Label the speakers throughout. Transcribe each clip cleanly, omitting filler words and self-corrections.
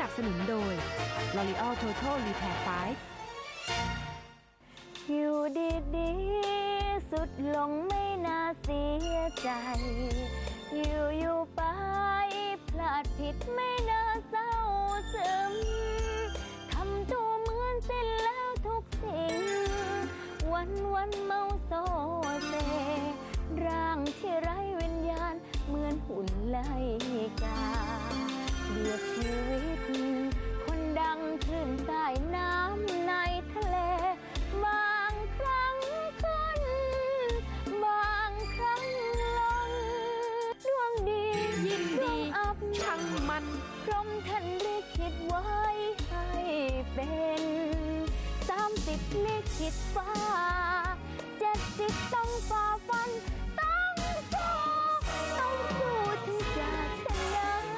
Speaker 1: นับสนุนโดย L'Oreal Total Repair 5
Speaker 2: อยู่ดีๆสุดลงไม่น่าเสียใจอยู่ไปพลาดผิดไม่น่าเศร้าซึมทำตัวเหมือนสิ้นแล้วทุกสิ่งวันเมาโซเซร่างที่ไร้วิญญาณเหมือนหุ่นไล่กาเบียดชีวิตคนดังขึ้นใต้น้ำในทะเลบางครั้งขึ้นบางครั้งลงดวงดียินดีอับช่างมันพรหมท่านลิขิตไว้ให้เป็น30ลิขิตฟ้า70ต้องฝ่าฟันต้องสู้ถึงจะชนะ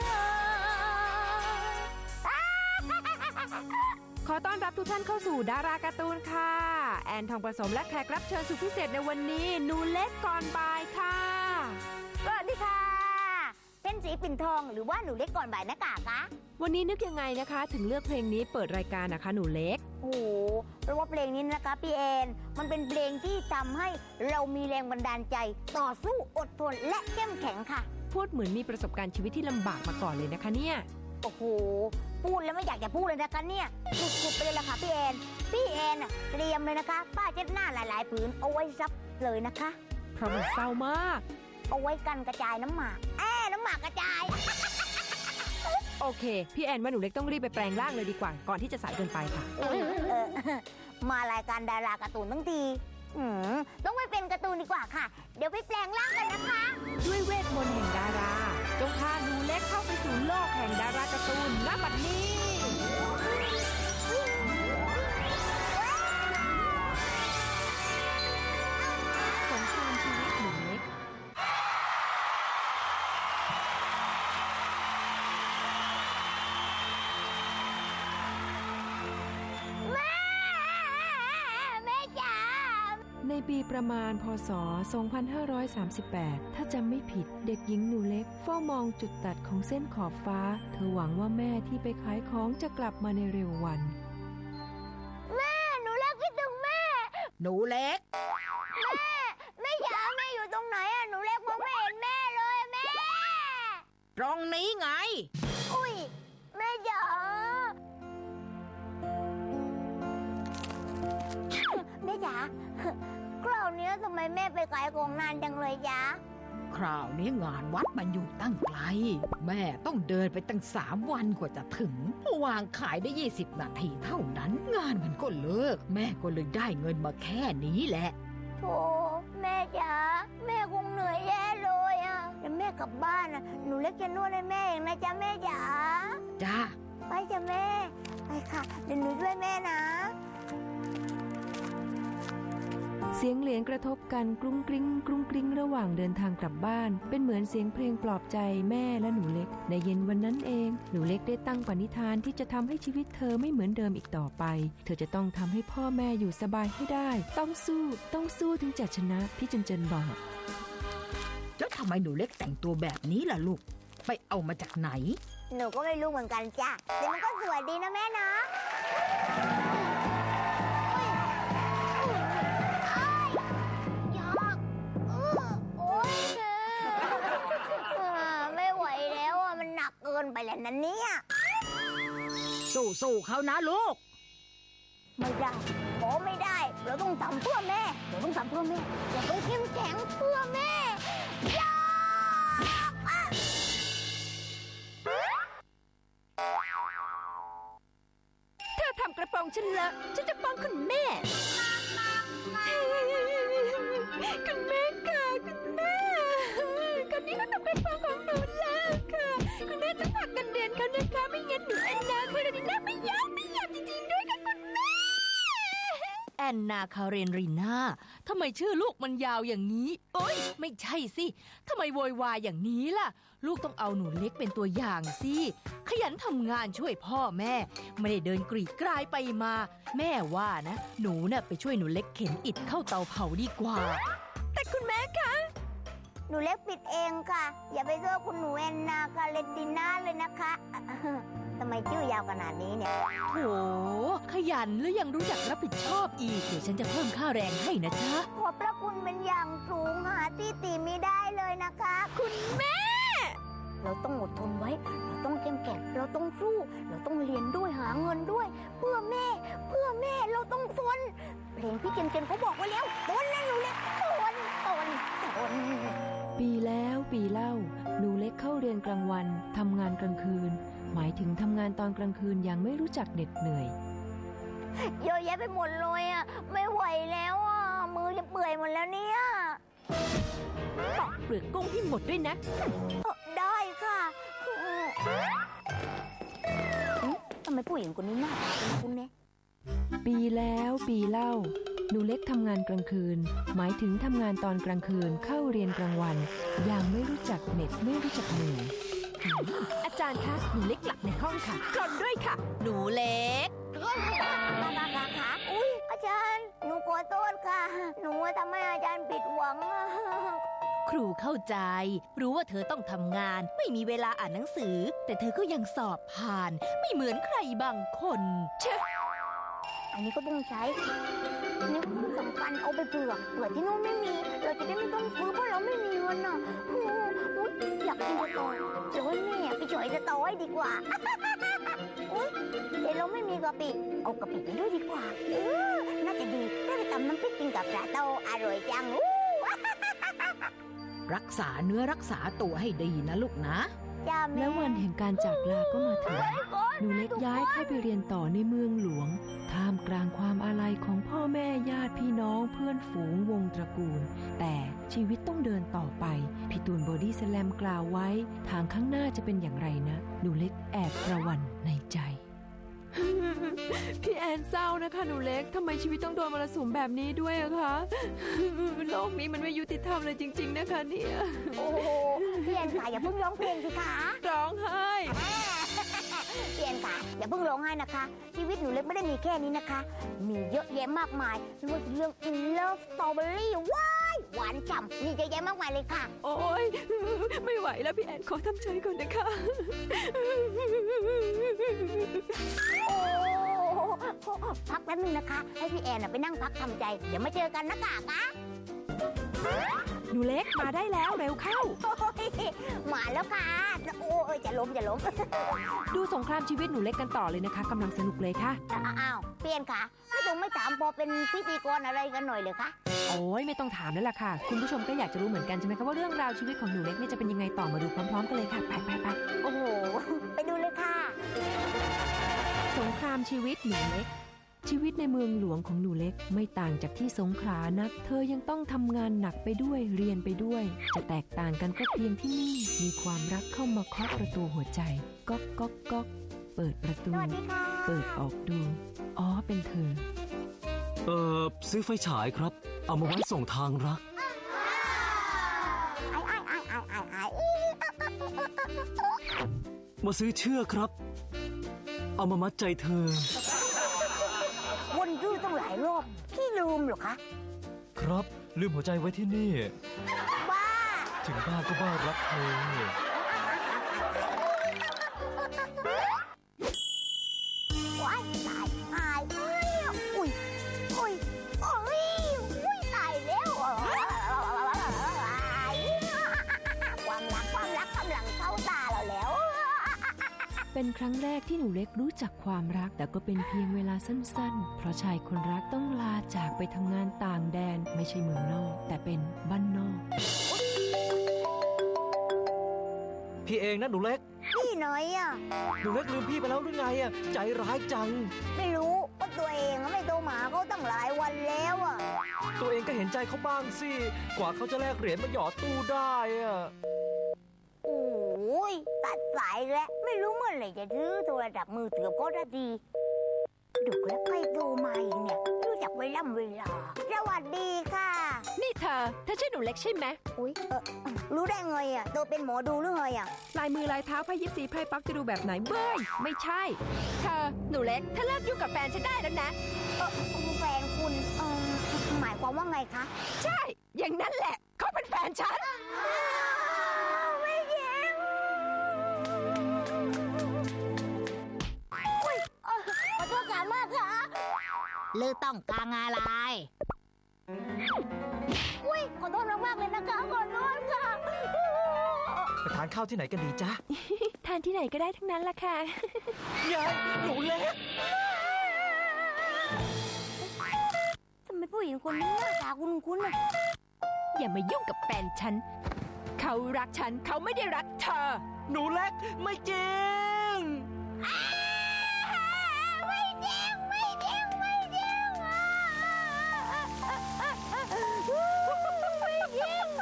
Speaker 1: ขอต้อนรับทุกท่านเข้าสู่ดาราการ์ตูนค่ะแอนทองประสมและแขกรับเชิญสุดพิเศษในวันนี้หนูเล็กก่อนบ่ายค่ะ
Speaker 2: สวัสดีค่ะเป็นสีปิ่นทองหรือว่าหนูเล็กก่อนบ่ายนะกากะ
Speaker 1: วันนี้นึกยังไงนะคะถึงเลือกเพลงนี้เปิดรายการนะคะหนูเล็ก
Speaker 2: โอ้โหเพราะว่าเพลงนี้นะคะพี่แอนมันเป็นเพลงที่ทำให้เรามีแรงบันดาลใจต่อสู้อดทนและเข้มแข็งค่ะ
Speaker 1: พูดเหมือนมีประสบการณ์ชีวิตที่ลำบากมาก่อนเลยนะคะเนี่ย
Speaker 2: โอ้โหพูดแล้วไม่อยากจะพูดเลยนะคะเนี่ยสุดๆไปเลยล่ะค่ะพี่แอนเตรียมเลยนะคะป้าเช็ดหน้าหลายๆผืนเอาไว้ซับเลยนะคะ
Speaker 1: เพราะมันเศร้ามาก
Speaker 2: เอาไว้กันกระจายน้ำหมากน้ำหมากกระจาย
Speaker 1: โอเคพี่แอนว่าหนูเล็กต้องรีบไปแปลงร่างเลยดีกว่าก่อนที่จะสายเกินไปค่ะ
Speaker 2: มารายการดาราการ์ตูนทั้งทีต้องไปเป็นการ์ตูนดีกว่าค่ะเดี๋ยวไปแปลงร่างกันนะคะ
Speaker 1: ด้วยเวทมนต์แห่งดาราจงพาหนูเล็กเข้าไปสู่โลกแห่งดาราการ์ตูนณบัดนี้สงครามชีวิตหนูเล็กในปีประมาณพ.ศ. 2538ถ้าจำไม่ผิดเด็กหญิงหนูเล็กเฝ้ามองจุดตัดของเส้นขอบฟ้าเธอหวังว่าแม่ที่ไปขายของจะกลับมาในเร็ววัน
Speaker 2: แม่หนูเล็กคิดถึงแม่
Speaker 3: หนูเล็ก
Speaker 2: แม่จ๋าแม่อยู่ตรงไหนอะหนูเล็กมองไม่เห็นแม่เลยแม่
Speaker 3: ตรงนี้ไง
Speaker 2: อุ้ยแม่จ๋าแม่จ๋าคราวนี้ทำไมแม่ไปขายของนานจังเลยจ๊ะ
Speaker 3: คราวนี้งานวัดมันอยู่ตั้งไกลแม่ต้องเดินไปตั้ง3 วันกว่าจะถึงวางขายได้20 นาทีเท่านั้นงานมันก็เลิกแม่ก็เลยได้เงินมาแค่นี้แหละ
Speaker 2: โธ่แม่จ๋าแม่คงเหนื่อยแย่เลยอ่ะเดี๋ยวแม่กลับบ้านนะหนูเล็กจะนวดให้แม่เองนะจ๊ะแม่จ๋า
Speaker 3: จ้า
Speaker 2: ไปจ้ะแม่ไปค่ะเดี๋ยวหนูช่วยแม่นะ
Speaker 1: เสียงเหรียญกระทบกันกรุ้งกริ้งกรุ้งกริ้งระหว่างเดินทางกลับบ้านเป็นเหมือนเสียงเพลงปลอบใจแม่และหนูเล็กในเย็นวันนั้นเองหนูเล็กได้ตั้งปณิธานที่จะทำให้ชีวิตเธอไม่เหมือนเดิมอีกต่อไปเธอจะต้องทำให้พ่อแม่อยู่สบายให้ได้ต้องสู้ถึงจะชนะพี่เจนบอก
Speaker 3: แล้วทำไมหนูเล็กแต่งตัวแบบนี้ล่ะลูกไปเอามาจากไหน
Speaker 2: หนูก็ไม่รู้เหมือนกันจ้ะแต่มันก็สวยดีนะแม่นะเกินไปแล้วนั่นเนี่ย
Speaker 3: สู้เขานะลูก
Speaker 2: ไม่ได้ขอไม่ได้เราต้องทำเพื่อแม่เราต้องเข้มแข็งเพื่อแม่
Speaker 1: เธอทำกระโปรงฉันเลอะฉันจะฟ้องคุณแม่คุณแม่ค่ะคุณแม่คนนี้ก็ทำกระโปรงของหนูแล้วค่ะคุณแม่ต้องหักเงินเดือนเขานะคะไม่งั้นหนูแอนนาคาเรนีน่าไม่ยอมจริงๆด้วยค่ะคุณแม่
Speaker 4: แอนนาคาเรนรีน่าทำไมชื่อลูกมันยาวอย่างนี้โอ๊ยไม่ใช่สิทำไมโวยวายอย่างนี้ล่ะลูกต้องเอาหนูเล็กเป็นตัวอย่างสิขยันทำงานช่วยพ่อแม่ไม่ได้เดินกรีดกรายไปมาแม่ว่านะหนูน่ะไปช่วยหนูเล็กเข็นอิฐเข้าเตาเผาดีกว่า
Speaker 1: แต่คุณแม่คะ
Speaker 2: หนูเล็กปิดเองค่ะอย่าไปโทษคุณหนูแอนนาคาเรนติน่าเลยนะคะททำไมชื่อยาวขนาดนี้เนี่ย
Speaker 4: โถขยันแล้วยังรู้จักรับผิดชอบอีก เดี๋ยวฉันจะเพิ่มค่าแรงให้นะจ๊ะ
Speaker 2: ขอบพระคุณเป็นอย่างสูงหาที่ติไม่ได้เลยนะคะ คุณแม่ เราต้องอดทนไว้ เราต้องเข้มแข็งเราต้องสู้ เราต้องเรียนด้วยหาเงินด้วย เพื่อแม่ เราต้องทนเพลงพี่เกณฑ์เขาบอกไว้แล้วทนนะหนูเล็กทน
Speaker 1: ปีแล้วปีเล่า หนูเล็กเข้าเรียนกลางวันทำงานกลางคืน หมายถึงทำงานตอนกลางคืนอย่างไม่รู้จักเหน็ดเหนื่อย
Speaker 2: เยอะแยะไปหมดเลยอ่ะ ไม่ไหวแล้วอ่ะ มือจะเปื่อยหมดแล้วเนี่ย
Speaker 4: ปอกเปลือกกุ้งให้หมดด้วยนะ
Speaker 2: ได้ค่ะทำไมผู้หญิงคนนี้หน้าตาเป็นคุณเนี่ย
Speaker 1: ปีแล้วปีเล่า หนูเล็กทำงานกลางคืน หมายถึงทำงานตอนกลางคืนเข้าเรียนกลางวัน อย่างไม่รู้จักเหน็ดไม่รู้จักเหนื่อย
Speaker 4: อาจารย์คะหนูเล็กหลับในห้องค่ะกรนด้วยค่ะ หนูเล็ก
Speaker 2: ค่ะอุ้ยอาจารย์ หนูขอโทษค่ะ หนูทำให้อาจารย์ผิดหวังอะ
Speaker 4: ครูเข้าใจ รู้ว่าเธอต้องทำงาน ไม่มีเวลาอ่านหนังสือ แต่เธอก็ยังสอบผ่าน ไม่เหมือนใครบางคนเชฟ
Speaker 2: อันนี้ก็ต้องใช้อันนี้สำคัญเอาไปเผื่อที่นู้นไม่มี เราจะได้ไม่ต้องซื้อเพราะเราไม่มีเงินอ่ะโอ้โหอยากกินสตอเดี๋ยวให้แม่ไปช่วยสตอให้ดีกว่า อุ๊ยเดี๋ยวเราไม่มีกะปิ เอากะปิไปด้วยดีกว่าน่าจะดีได้ไปตำน้ำพริกกินกับปลาโตอร่อยจัง
Speaker 3: รักษาเนื้อรักษาตัวให้ดีนะลูกนะ
Speaker 2: จ้าแม่
Speaker 1: และวันแห่งการจากลาก็มาถึง หนูเล็กย้ายเข้าไปเรียนต่อในเมืองหลวง ท่ามกลางความอาลัยของพ่อแม่ญาติพี่น้องเพื่อนฝูงวงตระกูล แต่ชีวิตต้องเดินต่อไป พี่ตูนบอดี้สแลมกล่าวไว้ ทางข้างหน้าจะเป็นอย่างไรนะ หนูเล็กแอบประหวั่นในใจ พี่แอนเศร้านะคะหนูเล็กทำไมชีวิตต้องโดนมรสุมแบบนี้ด้วยอะคะ โลกนี้มันไม่ยุติธรรมเลยจริง ๆ นะคะเนี่ย
Speaker 2: โอ้โหพี่แอนค่ะอย่าเพิ่งร้องเพลงสิคะ
Speaker 1: ร้องไห้
Speaker 2: พี่แอนค่ะอย่าเพิ่งร้องไห้นะคะ ชีวิตหนูเล็กไม่ได้มีแค่นี้นะคะ มีเยอะแยะมากมายไม่ว่าจะเรื่อง In Love Strawberry ว้ายหวานฉ่ำมีเยอะแยะมากมายเลยค่ะ
Speaker 1: โอ๊ย ไม่ไหวแล้วพี่แอนขอทำใจก่อนนะคะ
Speaker 2: โอ้พักแป๊บนึงนะคะ ให้พี่แอนไปนั่งพักทำใจ เดี๋ยวมาเจอกันนะกะ
Speaker 1: หนูเล็กมาได้แล้วเร็วเข้า
Speaker 2: โอ้ยมาแล้วค่ะ โอ้ยจะล้ม
Speaker 1: ดูสงครามชีวิตหนูเล็กกันต่อเลยนะคะกำลังสนุกเลยค่ะ
Speaker 2: อ้าวพี่แอนค่ะไม่ถามพอเป็นพิธีกรอะไรกันหน่อยเลยคะ
Speaker 1: โอ้ยไม่ต้องถามแล้วล่ะค่ะ คุณผู้ชมก็อยากจะรู้เหมือนกันใช่ไหมคะว่าเรื่องราวชีวิตของหนูเล็กเนี่ยจะเป็นยังไงต่อมาดูพร้อมๆกันเลยค่ะไป
Speaker 2: โอ้โห ไปดูเลยค่ะ
Speaker 1: สงครามชีวิตหนูเล็ก ชีวิตในเมืองหลวงของหนูเล็กไม่ต่างจากที่สงขลานัก เธอยังต้องทำงานหนักไปด้วยเรียนไปด้วย จะแตกต่างกันก็เพียงที่นี่มีความรักเข้ามาเคาะประตูหัวใจก๊อกก๊อกก๊อกเปิดประตู
Speaker 2: สวัสดีค่ะ
Speaker 1: เปิดออกดูอ๋อเป็นเธอ
Speaker 5: ซื้อไฟฉายครับ เอามาไว้ส่งทางรัก มาซื้อเชือกครับ เอามามัดใจเธอ
Speaker 2: วนดื้อต้องหลายรอบพี่ลืมเหรอคะ
Speaker 5: ครับ ลืมหัวใจไว้ที่นี่
Speaker 2: บ้า
Speaker 5: ถึงบ้านก็บ้ารักเธอ
Speaker 2: ว้ายตายอุ้ยตายแล้วความรักกำลังเข้าตาเราแล้ว
Speaker 1: เป็นครั้งแรกที่หนูเล็กรู้จักความรัก แต่ก็เป็นเพียงเวลาสั้นๆ เพราะชายคนรักต้องลาจากไปทำงานต่างแดนไม่ใช่เมืองนอก แต่เป็นบ้านนอก
Speaker 5: พี่เองนะหนูเล็ก
Speaker 2: พี่หน่อยอ่ะ
Speaker 5: หนูเล็กลืมพี่ไปแล้วหรือไงอ่ะ ใจร้ายจัง
Speaker 2: ไม่รู้ว่าตัวเองไม่โทรมาเขาตั้งหลายวันแล้วอ่ะ
Speaker 5: ตัวเองก็เห็นใจเขาบ้างสิ กว่าเขาจะแลกเหรียญมาหยอดตู้ได้อ่ะ
Speaker 2: โอ้ยตัดสายแล้วไม่รู้เมื่อไหร่จะซื้อโทรศัพท์มือถือก็ได้ดีดึกแล้วใครโทรมาอีกเนี่ยไม่รู้จักเวลาสวัสดีค่ะ
Speaker 1: นี่เธอใช่หนูเล็กใช่ไหม
Speaker 2: อุ้ยรู้ได้ไงอ่ะตัวเป็นหมอดูหรือไงอ่ะ
Speaker 1: ลายมือลายเท้าไพ่ยิปซีไพ่ปักจะดูแบบไหนเบ้ยไม่ใช่เธอหนูเล็กถ้าเลิกยุ่งกับแฟนฉันได้แล้วนะ
Speaker 2: แฟนคุณหมายความว่าไงคะ
Speaker 1: ใช่ อย่างนั้นแหละเขาเป็นแฟนฉัน
Speaker 2: ไม่จริง
Speaker 6: ลือต้องการอะไร
Speaker 2: อุ้ยขอโทษมากๆเลยนะคะขอโทษค่ะ
Speaker 5: ไปทานข้าวที่ไหนกันดีจ๊ะ
Speaker 1: ทานที่ไหนก็ได้ทั้งนั้นละค่ะ
Speaker 5: ยายหนูเล็ก
Speaker 2: ทำไมผู้หญิงคนนี้หน้าตาคุ้นๆน่ะ
Speaker 1: อย่ามายุ่งกับแฟนฉัน เขารักฉัน เขาไม่ได้รักเธอ
Speaker 5: หนูเล็กไม่จริง
Speaker 2: ไม่จริงไม่จริงไม่จริงไม่จริง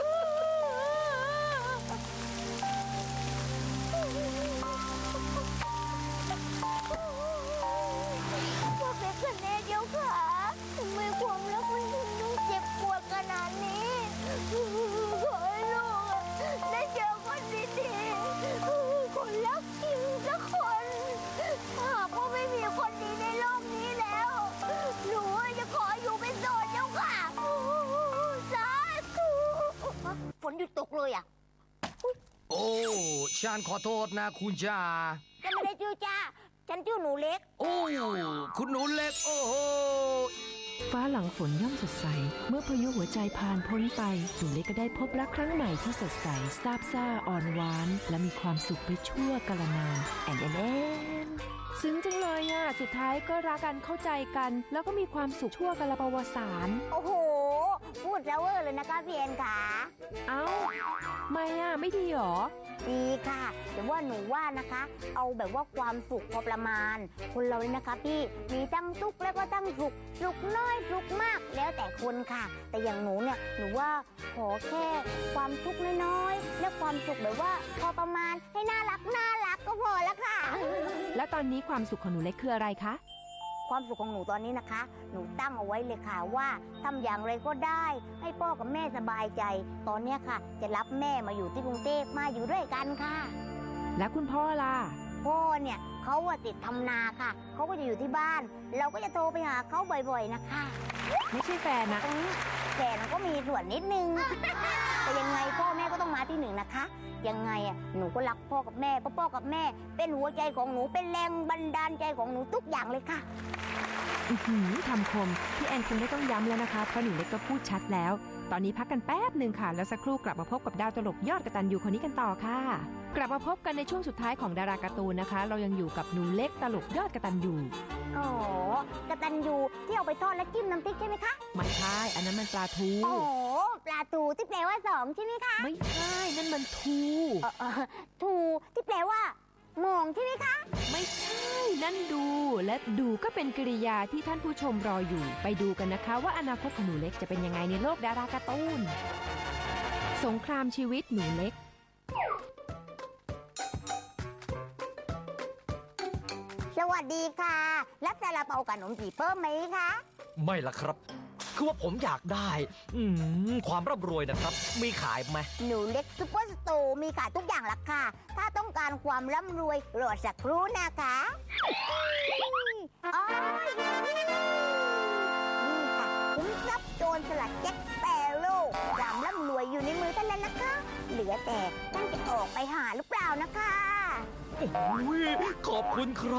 Speaker 2: พวกเด็กคนนี้เดียวค่ะทำไมความรักมันถึงต้องเจ็บปวดขนาดนี้ขอให้ลูกได้เจอคนดีๆคนรักจริงสักคนหากว่าไม่มีคนดีในโลกนี้แล้ว หนูจะขออยู่เป็นโสดเจ้าค่ะสาธุฝนหยุดตกเลยอ่ะ
Speaker 7: โอ้ ฉันขอโทษนะคุณจ่า
Speaker 2: จะไม่ได้ชื่อจ้า ฉันชื่อหนูเล็ก
Speaker 7: โอ้ คุณหนูเล็ก โอ้โห
Speaker 1: ฟ้าหลังฝนย่อมสดใส เมื่อพายุหัวใจผ่านพ้นไปหนูเล็กก็ได้พบรักครั้งใหม่ที่สดใสซาบซ่าอ่อนหวาน และมีความสุขไปชั่วกาลนานแอนแอนแอนซึ้งจังเลยอ่ะ สุดท้ายก็รักกันเข้าใจกัน แล้วก็มีความสุขชั่วกาลปวสาร
Speaker 2: โอ้โห พูดแล้วเวอร์เลยนะคะพี่แอนค่ะ
Speaker 1: เอ้า ไม่อ่ะ ไม่ดีหรอ
Speaker 2: ดีค่ะ แต่ว่าหนูว่านะคะ เอาแบบว่าความสุขพอประมาณ คนเราเนี่ยนะคะพี่ มีทั้งทุกข์แล้วก็ทั้งสุข สุขน้อยสุขมาก แล้วแต่คนค่ะ แต่อย่างหนูเนี่ย หนูว่าขอแค่ความทุกข์น้อยๆ และความสุขแบบว่าพอประมาณให้น่ารักก็พอแล้วค่ะ
Speaker 1: แล้วตอนนี้ความสุขของหนูเล็กคืออะไรคะ
Speaker 2: ความสุขของหนูตอนนี้นะคะ หนูตั้งเอาไว้เลยค่ะว่าทำอย่างไรก็ได้ ให้พ่อกับแม่สบายใจ ตอนเนี้ยค่ะ จะรับแม่มาอยู่ที่กรุงเทพมาอยู่ด้วยกันค่ะ
Speaker 1: และคุณพ่อล่ะ
Speaker 2: พ่อเนี่ยเขาอะติดทำนาค่ะ เขาก็จะอยู่ที่บ้าน เราก็จะโทรไปหาเขาบ่อยๆนะคะ
Speaker 1: ไม่ใช่แฟนนะ
Speaker 2: ตรงนี้แต่มันก็มีส่วนนิดนึง แต่ยังไงพ่อแม่ก็ต้องมาที่หนึ่งนะคะ ยังไงอะหนูก็รักพ่อกับแม่เพราะพ่อกับแม่ เป็นหัวใจของหนูเป็นแรงบันดาลใจของหนูทุกอย่างเลยค่ะ
Speaker 1: อื้อหือคำคมพี่แอนคงไม่ต้องย้ำแล้วนะคะเพราะหนูเล็กก็พูดชัดแล้ว ตอนนี้พักกันแป๊บหนึ่งค่ะ แล้วสักครู่กลับมาพบกับดาวตลกยอดกตัญญูคนนี้กันต่อค่ะ กลับมาพบกันในช่วงสุดท้ายของดาราการ์ตูนนะคะ เรายังอยู่กับหนูเล็กตลกยอดกตัญญู
Speaker 2: อ๋อกตัญญูที่เอาไปทอดแล้วจิ้มน้ำพริกใช่ไหมคะ
Speaker 1: ไม่ใช่อันนั้นมันปลาทู
Speaker 2: โอ้ปลาทูที่แปลว่าสองใช่ไหมคะ
Speaker 1: ไม่ใช่นั่นมันทู
Speaker 2: ทูที่แปลว่ามองใช่ไหมคะ
Speaker 1: ไม่ใช่นั่นดูและดูก็เป็นกริยาที่ท่านผู้ชมรออยู่ ไปดูกันนะคะว่าอนาคตของหนูเล็กจะเป็นยังไงในโลกดาราการ์ตูนสงครามชีวิตหนูเล็ก
Speaker 2: สวัสดีค่ะ รับซาลาเปากับขนมจีบเพิ่มไหมคะ
Speaker 5: ไม่ละครับ คือว่าผมอยากได้ ความร่ำรวยนะครับ มีขายไหม
Speaker 2: หนูเล็กซุปเปอร์สโตร์มีขายทุกอย่างละค่ะ ถ้าต้องการความร่ำรวยรอสักครู่นะคะอ๋อนี่ค่ะคุ้มทรัพย์โจรสลัดแจ็คสเปโร่ความร่ำรวยอยู่ในมือท่านแล้วนะคะ เหลือแต่ท่านจะออกไปหาหรือเปล่านะคะ
Speaker 5: โอ้ยขอบคุณครับ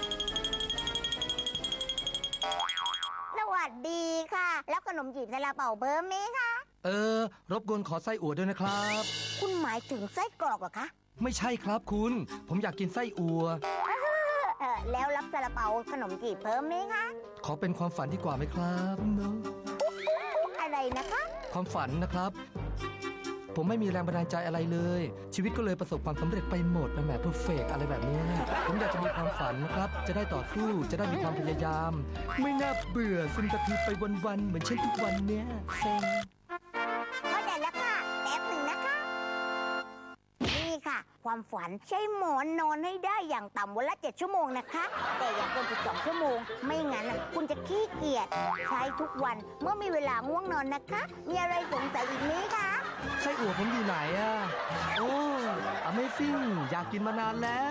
Speaker 2: สวัสดีค่ะ แล้วขนมจีบซาลาเปาเพิ่มไหมคะ
Speaker 7: รบกวนขอไส้อั่วด้วยนะครับ
Speaker 2: คุณหมายถึงไส้กรอกเหรอคะ
Speaker 7: ไม่ใช่ครับคุณ ผมอยากกินไส้อั่ว
Speaker 2: แล้วรับซาลาเปาขนมจีบเพิ่มไหมคะ
Speaker 7: ขอเป็นความฝันดีกว่าไหมครับเนาะ
Speaker 2: อะไรนะคะ
Speaker 7: ความฝันนะครับ ผมไม่มีแรงบันดาลใจอะไรเลย ชีวิตก็เลยประสบความสำเร็จไปหมดนะแหมเพอร์เฟกอะไรแบบเนี้ยผมอยากจะมีความฝันนะครับ จะได้ต่อสู้ จะได้มีความพยายาม ไม่น่าเบื่อซึมกระทืบไปวันๆเหมือนเช่นทุกวันเนี้ยเซ็ง
Speaker 2: เข้าใจแล้วค่ะแป๊บหนึ่งนะคะ นี่ค่ะ ความฝันใช้หมอนนอนให้ได้อย่างต่ำวันละ 7 ชั่วโมงนะคะ แต่อย่าเกิน12 ชั่วโมง ไม่งั้นคุณจะขี้เกียจใช้ทุกวันเมื่อมีเวลาง่วงนอนนะคะ มีอะไรสงสัยอีกไหมคะ
Speaker 7: ไส้อั่วผมอยู่ไหนอ่ะ โอ้ Amazing อยากกินมานานแล้ว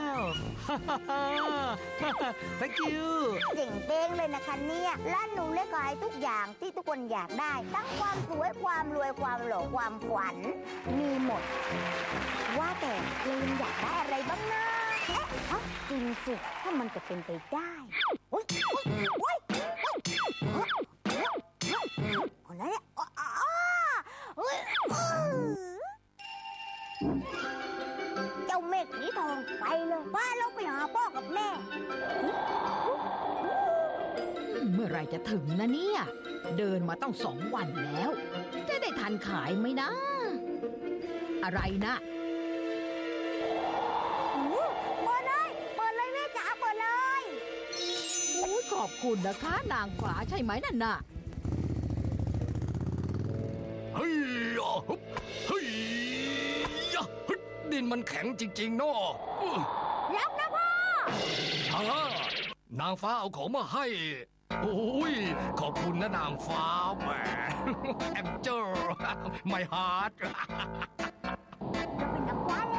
Speaker 7: Thank you
Speaker 2: เจ๋งเป้งเลยนะคะเนี่ยร้านหนูเล็กขายทุกอย่างที่ทุกคนอยากได้ ทั้งความสวยความรวยความหล่อความฝัน มีหมด ว่าแต่เรายังอยากได้อะไรบ้างนะจริงสิถ้ามันจะเป็นไปได้โอ๊ยโอ๊ยโอ๊ยโอ๊ยคนนั้นเนี่ยเจ้าเมฆสีทองไปเลยพาเราไปหาพ่อกับแม่
Speaker 3: เมื่อไหรจะถึงนะเนี่ย เดินมาต้อง2 วันแล้ว จะได้ทันขายไหมนะ อะไรนะ
Speaker 2: เปิดเลยแม่จ๋าเปิดเลย
Speaker 3: โอ้ยขอบคุณนะคะ นางฟ้าใช่ไหมนั่นน่ะ
Speaker 7: เฮ้ยอ่ะฮึบเฮ้ยอ่ะฮึบดินมันแข็งจริงๆเนาะ
Speaker 2: รับนะพ่อ
Speaker 7: นางฟ้าเอาของมาให้ โอ้ย ขอบคุณนะนางฟ้าแหม แอมเจอร์ ไม่ฮาร์ด
Speaker 2: เราเป็นนักฟ้าแล้ว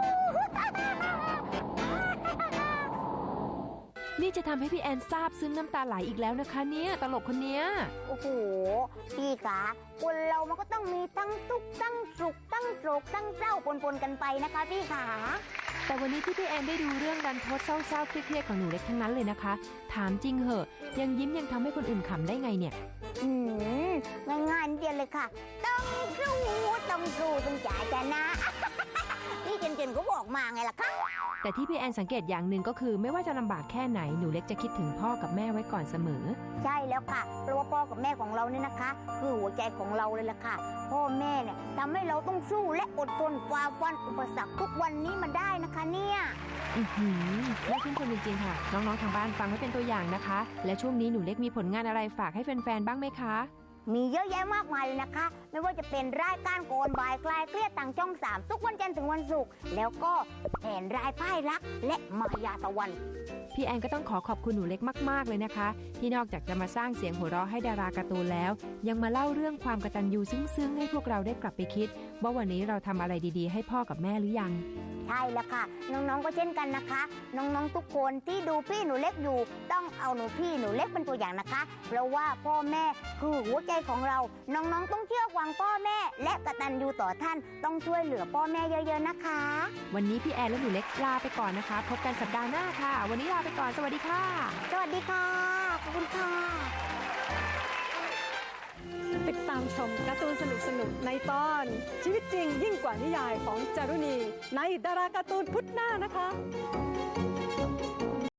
Speaker 1: นี่จะทำให้พี่แอนซาบซึ้งน้ำตาไหลอีกแล้วนะคะเนี่ยตลกคนเนี้ย
Speaker 2: โอ้โห พี่ขาคนเรามันก็ต้องมีทั้งทุกข์ทั้งสุขทั้งโศกทั้งเศร้าปนๆกันไปนะคะพี่ขา
Speaker 1: แต่วันนี้ที่พี่แอนได้ดูเรื่องรันทดเศร้าๆเครียดๆของหนูเล็กทั้งนั้นเลยนะคะ ถามจริงเหอะยังยิ้มยังทำให้คนอื่นขำได้ไงเนี่ย
Speaker 2: ง่ายๆนิดเดียวเลยค่ะ ต้องสู้ต้องจ่ายชนะ พี่เจนก็บอกมาไงล่ะคะ
Speaker 1: แต่ที่พี่แอนสังเกตอย่างหนึ่งก็คือไม่ว่าจะลำบากแค่ไหนหนูเล็กจะคิดถึงพ่อกับแม่ไว้ก่อนเสมอ
Speaker 2: ใช่แล้วค่ะเพราะว่าพ่อกับแม่ของเราเนี่ยนะคะ คือหัวใจของเราเลยล่ะค่ะ พ่อแม่เนี่ยทำให้เราต้องสู้และอดทนฝ่าฟันอุปสรรคทุกวันนี้มาได้นะคะเนี่ย
Speaker 1: อื้อหือน่าชื่นชมจริงๆค่ะ น้องๆทางบ้านฟังไว้เป็นตัวอย่างนะคะ และช่วงนี้หนูเล็กมีผลงานอะไรฝากให้แฟนๆบ้างไหมคะ
Speaker 2: มีเยอะแยะมากมายเลยนะคะ ไม่ว่าจะเป็นรายการโกนบายคลายเครียดทางช่อง 3 ทุกวันจันทร์ถึงวันศุกร์แล้วก็แผนรายป้ายรักและมายาตะวัน
Speaker 1: พี่แอนก็ต้องขอบคุณหนูเล็กมากๆเลยนะคะ ที่นอกจากจะมาสร้างเสียงหัวเราะให้ดาราการ์ตูนแล้ว ยังมาเล่าเรื่องความกตัญญูซึ้งๆให้พวกเราได้กลับไปคิด ว่าวันนี้เราทำอะไรดีๆ ให้พ่อกับแม่หรือยัง
Speaker 2: ใช่แล้วค่ะ น้องๆก็เช่นกันนะคะ น้องๆทุกคนที่ดูพี่หนูเล็กอยู่ ต้องเอาพี่หนูเล็กเป็นตัวอย่างนะคะ เพราะว่าพ่อแม่คือหัวใจของเรา น้องๆต้องเชื่อฟังพ่อแม่ และกตัญญูต่อท่านต้องช่วยเหลือพ่อแม่เยอะๆนะคะ
Speaker 1: วันนี้พี่แอนและหนูเล็กลาไปก่อนนะคะ พบกันสัปดาห์หน้าค่ะ วันนี้ลาไปก่อนสวัสดีค่ะ
Speaker 2: สวัสดีค่ะขอบคุณค่ะ
Speaker 6: ติดตามชมการ์ตูนสนุกๆในตอนชีวิตจริงยิ่งกว่านิยายของจารุณีในดาราการ์ตูนพุธหน้านะคะ